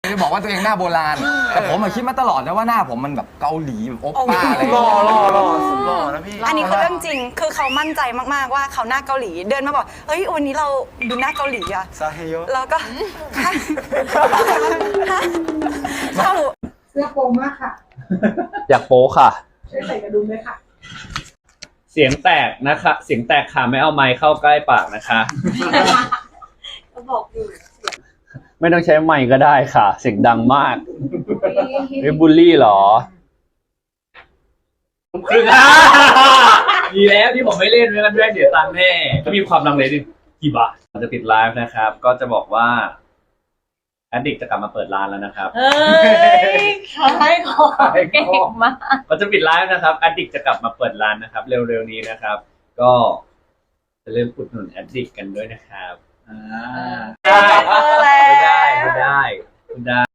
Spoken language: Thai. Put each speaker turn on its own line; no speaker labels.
จะบอกว่าตัวเองหน้าโบราณแต่ผมคิดมาตลอดนะว่าหน้าผมมันแบบเกาหลีแบบโอปป้าอะไร
หล่อสุดหล่อนะพี่
อันนี้คือเรื่องจริงคือเขามั่นใจมากๆว่าเขาหน้าเกาหลีเดินมาบอกเฮ้ยวันนี้เราดูหน้าเกาหลีอะ
ซาเฮโย
แล้วก็เข้า
เสื้อโปร่งมากค่ะ
อยากโป๊ค่ะ
ช่วยใส่กระดุมด้วยค่ะ
เสียงแตกนะคะเสียงแตกค่ะไม่เอาไมค์เข้าใกล้ปากนะคะ
ก็บอกอยู่
ไม่ต้องใช้ไมค์ก็ได้ค่ะ เสียงดังมากไม่บูลลี่เหรอคือดีแล้วที่ผมไม่เล่นไม่งั้นแม่เดี๋ยวตังค์แน่ก็มีความลังเลดิกี่บาทเราจะปิดไลฟ์นะครับ ก็จะบอกว่าแอดดิกจะกลับมาเปิดร้านแล้วนะครับ
เฮ้ยขายของเก่งมาก
ก็จะปิดไลฟ์นะครับแอดดิกจะกลับมาเปิดร้านนะครับ เร็วๆนี้นะครับ ก็จะเริ่มอุดหนุนแอดดิกกันด้วยนะครับ
ได้
ไม่ได้